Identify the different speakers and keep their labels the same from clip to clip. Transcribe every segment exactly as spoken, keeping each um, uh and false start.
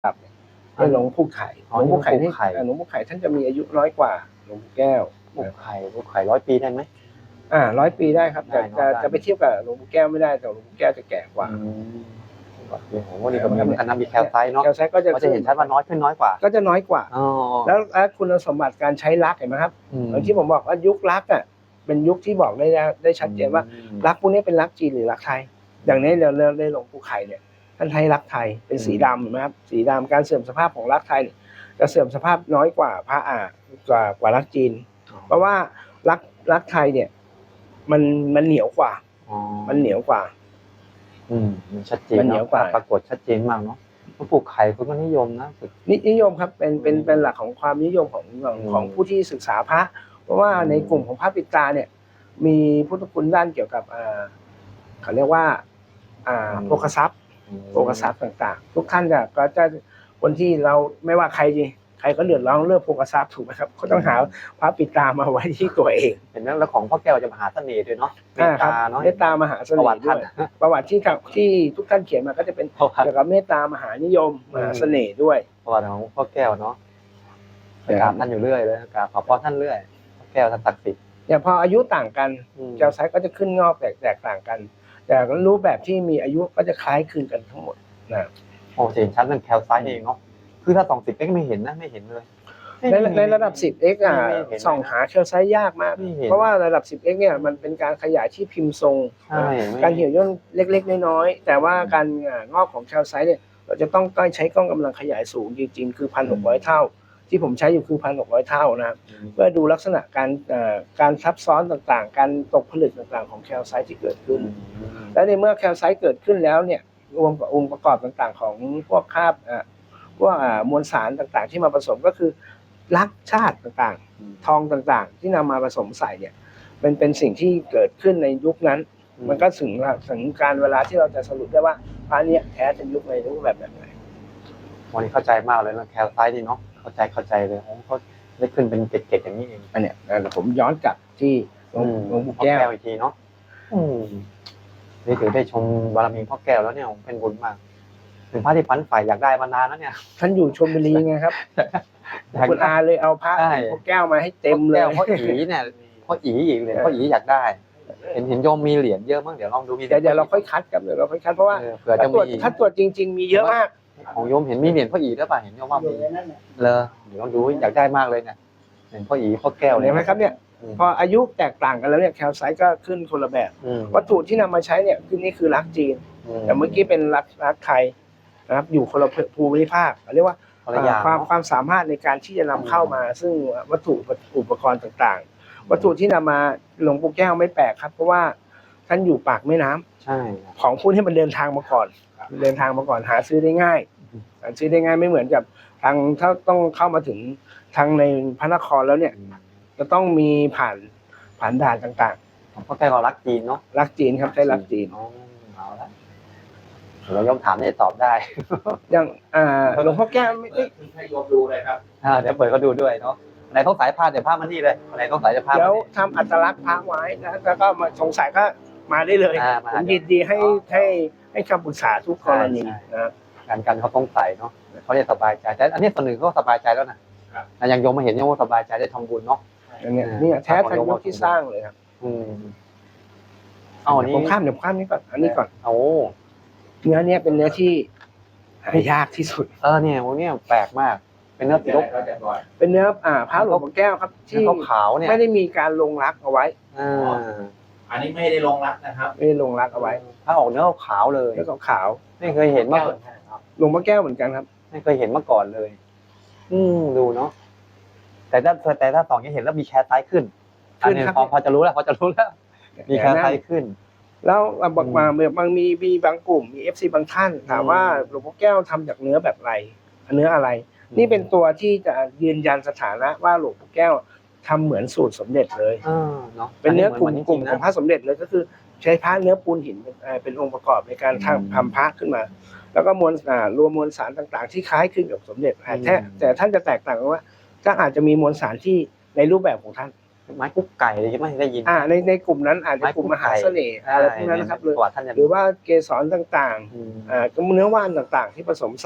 Speaker 1: ครับเป็นหลวงปู่ไข่หลวงปู่ไข่ที่หลวงปู่ไข่ท่านจะมีอายุน้อยกว่าหลวงปู่แก้ว
Speaker 2: หลวงปู่ไข่หลวงปู่ไข่ร้อยปีได้ไหม
Speaker 1: อ่าร้อยปีได้ครับแต่จะจะไปเทียบกับหลวงปู่แก้วไม่ได้แต่หลวงปู่แก้วจะแก่กว่า
Speaker 2: โอ้โหนี่ก็เหมือนกันนะมีแคลไซต์เนาะ
Speaker 1: แคลไซต์ก็จะ
Speaker 2: จะเห็นชัดว่าน้อยขึ้นน้อยกว่า
Speaker 1: ก็จะน้อยกว่าแล้วคุณสมบัติการใช้ลักเห็นไหมครับอย่างที่ผมบอกว่ายุคลักอ่ะเป็นยุคที่บอกได้ได้ชัดเจนว่าลักพวกนี้เป็นลักจีนหรือลักไทยอย่างนี้เราเราได้หลวงปู่ไข่เนี่ยท่านใช้ลักไทยเป็นสีดำเห็นไหมครับสีดำการเสื่อมสภาพของลักไทยจะเสื่อมสภาพน้อยกว่าพระอ่ากว่ากว่าลักจีนเพราะว่าลักลักไทยเนี่ยมันมันเหนียวกว่ามันเหนียวกว่า
Speaker 2: อืมมันชัดเจนมันเหนียวกว่าปรากฏชัดเจนมากเนาะหลวงปู่ไข่เขาก็นิยมนะ
Speaker 1: นิยมครับเป็นเป็นเป็นหลักของความนิยมของของผู้ที่ศึกษาพระเพราะว่าในกลุ่มของพระปิตาเนี่ยมีพุทธคุณด้านเกี่ยวกับอ่าเขาเรียกว่าอ่าโภคทรัพย์โภคทรัพย์ต่างๆทุกท่านจะก็จะคนที่เราไม่ว่าใครจีใครก็เดือดร้อนเรื่องโภคทรัพย์ถูกไหมครับเขาต้องหาพระปิตามาไว้ที่ตัวเอง
Speaker 2: เห็นไหมแล้วของพ่อแก้วจะมหาเสน่ห์ด้วยเนาะเมตตาเนาะ
Speaker 1: เมตตามหาเสน่ห์ด้วยประวัติที่ที่ทุกท่านเขียนมาก็จะเป็นเกี่ยวกับเมตตามหานิยมมหาเสน่ห์ด้วย
Speaker 2: ประวัติของพ่อแก้วเนาะกราบท่านอยู่เรื่อยเลยกราบขอพรท่านเรื่อยพ่อแก้วท่านศักดิ์สิทธิ์
Speaker 1: อย่างพออายุต่างกันแก้วไซส์ก็จะขึ้นงอกแตกแตกต่างกันแต่รูปแบบที่มีอายุก็จะคล้ายคลึงกันทั้งหมดนะ
Speaker 2: โอ้เห็นชัดเรื่องแคลไซต์เองเนาะคือถ้าสองสิบเอ็กไม่เห็นนะไม่เห็นเลย
Speaker 1: ในในระดับ สิบเอ็กซ์ อ่ะส่องหาแคลไซต์ยากมากเพราะว่าระดับ สิบเอ็กซ์ เนี่ยมันเป็นการขยายที่พิมพ์ทรงการเหี่ยวย่นเล็กๆน้อยๆแต่ว่าการงอกของแคลไซต์เนี่ยเราจะต้องใช้กล้องกำลังขยายสูงจริงๆคือ หนึ่งพันหกร้อย เท่าที่ผมใช้อยู่คือ หนึ่งพันหกร้อย เท่านะเพื่อดูลักษณะการการซับซ้อนต่างๆการตกผลึกต่างๆของแคลไซต์ที่เกิดขึ้นและในเมื่อแคลไซต์เกิดขึ้นแล้วเนี่ยรวมกับองค์ประกอบต่างๆของพวกคราบพวกมวลสารต่างๆที่มาผสมก็คือลักชาติต่างๆทองต่างๆที่นำมาผสมใส่เนี่ยมันเป็นสิ่งที่เกิดขึ้นในยุคนั้นมันก็ถึงถึงการเวลาที่เราจะสรุปได้ว่าพระนี้แท้เป็นยุคในรูปแบบแบบไหน
Speaker 2: วันนี้เข้าใจมากเลยนะแคลไซต์ดีเนาะเข้าใจเข้าใจเลยเขาได้ขึ้นเป็นเกล็ดๆอย่างนี้เอง
Speaker 1: อันเนี้ยผมย้อนกลับที่หลวงปู่แก้ว
Speaker 2: อีกทีเนาะนี่ถือได้ชมบารมีพ่อแก้วแล้วเนี่ยเป็นบุญมากเป็นพระที่ฝันใฝ่อยากได้มานานแล้วเนี่ย
Speaker 1: ท่านอยู่ชลบุรีไงครับคุณอาเลยเอาพระพ่อแก้วมาให้เต็มเลย
Speaker 2: พ่ออีเนี่ยพ่ออีอีกเลยพ่ออีอยากได้เห็นเห็นโยมมีเหรียญเยอะมากเดี๋ยวลองดูมี
Speaker 1: เดี๋ยวเดี๋ยวเราค่อยคัดกันเดี๋ยวเราค่อยคัดเพราะว่าถ้าตรวจถ้าตรวจจริงๆมีเยอะมาก
Speaker 2: ของโยมเห็นมีเหรียญพ่ออีด้วยป่ะเห็นโยมว่ามีเลยเดี๋ยวลองดูอยากได้มากเลยเนี่ยเห็นพ่ออีพ่อแก้วเลย
Speaker 1: เห็นไหมครับเนี่ยพออายุแตกต่างกันแล้วเนี่ยแคลไซต์ก็ขึ้นคนละแบบวัตถุที่นำมาใช้เนี่ยคือนี่คือลักจีนแต่เมื่อกี้เป็นลักลักไทยนะครับอยู่คนละภูมิภาคเรียกว่าความความสามารถในการที่จะนำเข้ามาซึ่งวัตถุอุปกรณ์ต่างๆวัตถุที่นำมาหลวงปู่แก้วไม่แปลกครับเพราะว่าท่านอยู่ปากแม่น้ำ
Speaker 2: ใช่
Speaker 1: ของพวกที่มันเดินทางมาก่อนเดินทางมาก่อนหาซื้อได้ง่ายหาซื้อได้ง่ายไม่เหมือนกับทางถ้าต้องเข้ามาถึงทางในพระนครแล้วเนี่ยจะต้องมีผ่านผ่านด่านต่าง
Speaker 2: ๆของพ่อแก้วรักจีนเนาะ
Speaker 1: รักจีนครับใช้รักจีน
Speaker 2: เอาละเราย่อมถามได้ตอบได้
Speaker 1: อย่างหลวงพ่อแก้วไม่
Speaker 3: ให้โยมดูเลยครับ
Speaker 2: เดี๋ยวเปิดเขาดูด้วยเนาะไหนต้องสายผ้าเดี๋ยวผ้ามันนี่เลยไหนต้องสายจะผ้า
Speaker 1: เดี๋ยวทำอัตลักษณ์พระไว้แล้วก็มาสงสัยก็มาได้เลยผมยินดีให้ให้ให้คำปรึกษาทุกกรณีนะ
Speaker 2: การกันเขาต้องใส่เนาะเขาจะสบายใจแต่อันนี้ส่วนหนึ่งก็สบายใจแล้วนะอย่างโยมมาเห็นโยมสบายใจได้ทำบุญเนาะ
Speaker 1: เนี่ยนี่แท้ทันยุคที่สร้างเลยครับ
Speaker 2: อืมเอาอันนี้
Speaker 1: ผมข้ามเดี๋ยวข้ามนี้ก่อนอันนี้ก่อน
Speaker 2: โอ้
Speaker 1: เนื้อเนี้ยเป็นเนื้อที่หายากที่สุด
Speaker 2: เออเนี่ยพวกนี้แปลกมากเป็นเนื้อติด
Speaker 1: เป็นเนื้ออ่าพระหลวงพ่อแก้วครับที่
Speaker 2: ขาวเนี่ย
Speaker 1: ไม่ได้มีการลงรักเอาไว้
Speaker 2: อ่า
Speaker 3: อันนี้ไม่ได้ลงรักนะครับ
Speaker 1: ไม่ได้ลงรักเอาไว้
Speaker 2: ถ้าออกเนื้อขาวเลย
Speaker 1: เนื้อขาว
Speaker 2: ไม่เคยเห็นมาก่อน
Speaker 1: หลวงพ่อแก้วเหมือนกันครับ
Speaker 2: ไม่เคยเห็นมาก่อนเลยอืมดูเนาะแต่ถ้าแต่ถ้าสองยังเห็นแล้วมีแคร์ไซส์ขึ้นอันนี้พอพอจะรู้แล้วพอจะรู้แล้วมีแคร์ไซส์ขึ้น
Speaker 1: แล้วบางมาบางมีมีบางกลุ่มมี เอฟ ซี บางท่านถามว่าหลวงพ่อแก้วทำจากเนื้อแบบไรเนื้ออะไรนี่เป็นตัวที่จะยืนยันสถานะว่าหลวงพ่อแก้วทำเหมือนสูตรสมเด็จเลยเป็นเนื้อกลุ่มกลุ่มของพระสมเด็จเลยก็คือใช้พระเนื้อปูนหินเป็นองค์ประกอบในการทำทำพระขึ้นมาแล้วก็มวลรวมมวลสารต่างๆที่คล้ายคลึงกับสมเด็จแต่แต่ท่านจะแตกต่างกันว่าก็อาจจะมีมวลสารที่ในรูปแบบของท่าน
Speaker 2: ไม้กุ๊กไก่เลยใช่ไหมได้ยิน
Speaker 1: อ่าในในกลุ่มนั้นอาจจะกลุ่มมหาเสน่ห์อะไรพวกนั้นนะครับหรือว่าเกสรต่างๆอ่าเนื้อว่านต่างๆที่ผสมใส่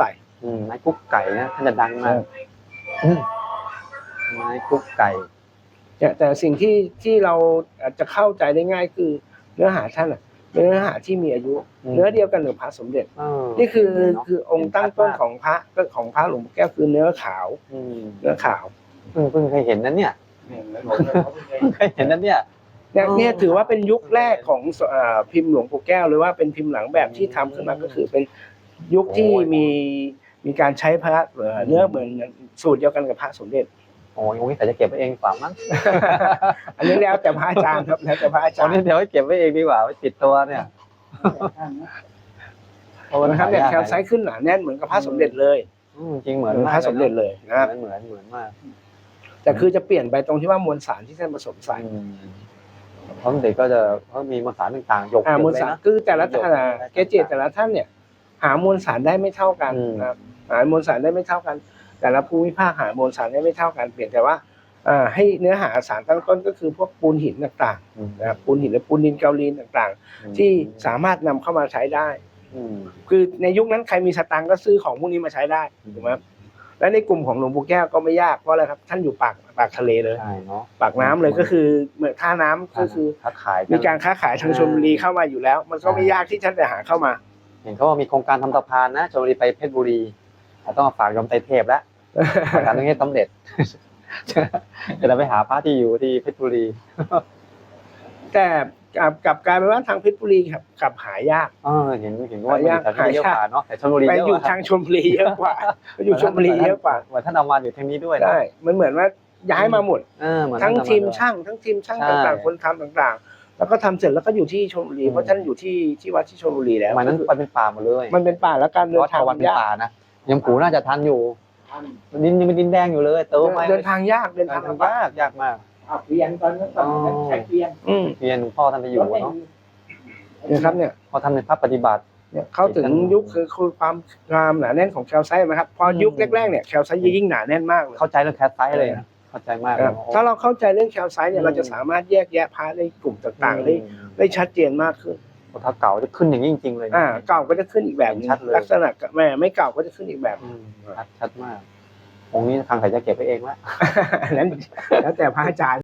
Speaker 2: อืมไม้กุ๊กไก่นะท่านจะดังมากอืมไม้กุ๊กไก่
Speaker 1: แต่แต่สิ่งที่ที่เราอาจจะเข้าใจได้ง่ายคือเนื้อหาท่านอ่ะเป็นเนื้อหาที่มีอายุ
Speaker 2: อืม
Speaker 1: เนื้อเดียวกันกับพระสมเด็จ
Speaker 2: เออ
Speaker 1: นี่คือ
Speaker 2: เนาะ
Speaker 1: คือองค์ตั้งต้นของพระก็ของพระหลวงปู่แก้วคือเนื้อขาว
Speaker 2: อืม
Speaker 1: เนื้อขาว
Speaker 2: เพิ่งเพิ่งเคยเห็นนั้นเนี่ยเพิ่งเคยเห็นนั้นเนี่ย
Speaker 1: เนี่ย
Speaker 2: อ๋อ
Speaker 1: เนี่ยถือว่าเป็นยุคแรกของเอ่อพิมพ์หลวงปู่แก้วหรือว่าเป็นพิมพ์หลังแบบที่ทำขึ้นมาก็คือเป็นยุคที่
Speaker 2: โอ้ย
Speaker 1: มีมีการใช้พระเอ่อเนื้อเหมือนสูตรเดียวกันกับพระสมเด็จ
Speaker 2: โอ้ยองค์นี้แต่จะเก็บไว้เองดีกว่ามั้ง
Speaker 1: อันนี้แล้วแต่พระอาจารย์ครับแล้วแต่พระอา
Speaker 2: ต
Speaker 1: จา
Speaker 2: อ
Speaker 1: ร
Speaker 2: น
Speaker 1: ย์
Speaker 2: นี้เดี๋ยวไว้เก็บไว้เองดีกว่าไว้ติดตัวเนี่ยเพราะว่า
Speaker 1: นะครับเนี่ยแคลไซต์ขึ้นหนาแน่นเหมือนกับพระสมเด็จเลย
Speaker 2: อืมจริงเหมือน
Speaker 1: เหมือน
Speaker 2: มาก
Speaker 1: พระสมเด็จเลยนะ
Speaker 2: เหมือนเหมือนเหมือนมาก
Speaker 1: แต่คือจะเปลี่ยนไปตรงที่ว่ามวลสารที่ท่านผสมใส่
Speaker 2: อืมเพราะเด็กก็จะเขามีมวลสารต่างๆหยก
Speaker 1: อ่า
Speaker 2: เย
Speaker 1: ม
Speaker 2: อะ
Speaker 1: วล
Speaker 2: เลย
Speaker 1: สาร
Speaker 2: นะ
Speaker 1: คือแต่ละ
Speaker 2: หยก
Speaker 1: อ่าเกจิแต่ละท่านเนี่ย หามวลสารได้ไม่เท่ากัน
Speaker 2: อืม
Speaker 1: นะครับหามวลสารได้ไม่เท่ากัน แต่ละภูมิภาคหามวลสารได้ไม่เท่ากันเปลี่ยนแต่ว่าอ่าให้เนื้อหาสารตั้งต้นก็คือพวกปูนหินต่าง
Speaker 2: อืม
Speaker 1: ๆนะครับปูนหินและปูนดินเกาลีนต่างๆ ที่สามารถนำเข้ามาใช้ได้
Speaker 2: อืม
Speaker 1: คือในยุคนั้นใครมีสตังค์ก็ซื้อของพวกนี้มาใช้ได้
Speaker 2: อืม
Speaker 1: ถูกไหมครับและในกลุ่มของหลวงปู่แก้วก็ไม่ยากเพราะอะไรครับท่านอยู่ปากปากทะเลเลย
Speaker 2: ใช่เนาะ
Speaker 1: ปากน้ำเลยก็คือเหมือนท่าน้ำก็คือ
Speaker 2: ค้าขายน
Speaker 1: มีการค้าขายทางชลบุรีเข้ามาอยู่แล้ว มันก็ไม่ยากที่ท่านจะหาเข้ามา
Speaker 2: เห็นเขาว่ามีโครงการทำสะพานนะชลบุรีไปเพชรบุรีเราต้องมาฝากยมไตรเทพแล้วโครงการตรงนี้สำเร็จ จะได้ไปหาพระที่อยู่ที่เพชรบุรี
Speaker 1: แต่กลับกลับกลายเป็นว่าทางเพชรบุรีครับกลับหายาก
Speaker 2: เออเห็นเห็นว่ามันอยู่แถวนี้เยอะกว่าเนาะแต่ชลบุรี
Speaker 1: ไป
Speaker 2: เยอะ
Speaker 1: อก ยู่
Speaker 2: ว่า
Speaker 1: ทางชลบุรีเยอะกว่าไปอยู่ชลบุรีเยอะกว่า
Speaker 2: เหมือนท่านเอามาอยู่ทางนี้ด้วยนะ
Speaker 1: ได้มันเหมือนว่าย้ายมาหมด
Speaker 2: เออเหมือน
Speaker 1: ทั้ง
Speaker 2: ท่านเอาา
Speaker 1: ทีม
Speaker 2: ด้วย
Speaker 1: ช่างทั้งทีมช่าง
Speaker 2: ใช่
Speaker 1: ต่างๆ คนทำต่างๆ แล้วก็ทำเสร็จแล้วก็อยู่ที่ชลบุรี
Speaker 2: อืม
Speaker 1: เพราะท่านอยู่ที่ที่วัดที่ชลบุรีแล้ว
Speaker 2: สมัยนั้นมันเป็นป่าหมดเลย
Speaker 1: มันเป็นป่าแล้วการเดิ
Speaker 2: วัด
Speaker 1: นทาง
Speaker 2: ทวันเป็น
Speaker 1: ยาก
Speaker 2: ป่านะยังปู่น่าจะทันอยู่ดินยังเป็นดินแดงอยู่เลยเติมไป
Speaker 1: เดินทางยากเดิน
Speaker 2: เดิ
Speaker 1: ทาง
Speaker 2: นทาง
Speaker 1: ลำบาก
Speaker 2: ยากยากมาก
Speaker 3: เอาเปลี่ยนตอนนั้นตอนนั้นใช้เปลี่ยน
Speaker 1: อืม
Speaker 2: เรียนหลวงพ่อท่านไปอยู่เนาะ
Speaker 1: เนี่ยครับเนี่ย
Speaker 2: พอทำในภาพปฏิบัติ
Speaker 1: เนี่ยเข้าถึงยุคคือคือความงามหนาแน่นของแคลไซต์นะครับพอยุคแรกๆเนี่ยแคลไซต์ยิ่งหนาแน่นมากเลย
Speaker 2: เข้าใจเรื่องแคสไซส์เลยนะเข้าใจมาก
Speaker 1: ค
Speaker 2: เลย
Speaker 1: รับถ้าเราเข้าใจเรื่องแคลไซต์เนี่ยเราจะสามารถแยกแยะพาร์ทในกลุ่มต่างๆได้ได้ชัดเจนมากขึ้น
Speaker 2: ถ้าเก่าจะขึ้นอย่างนี้จริงๆเลยนะ
Speaker 1: อ่าเก่าก็จะขึ้นอีกแบบหนึง
Speaker 2: ชัดเลย
Speaker 1: ลักษณะแม่ไม่เก่าก็จะขึ้นอีกแบบ
Speaker 2: อืมชัดชัดมากองค์นี้ทางใครจะเก็บไปเองละ
Speaker 1: นั้นแล้วแต่พระอาจารย์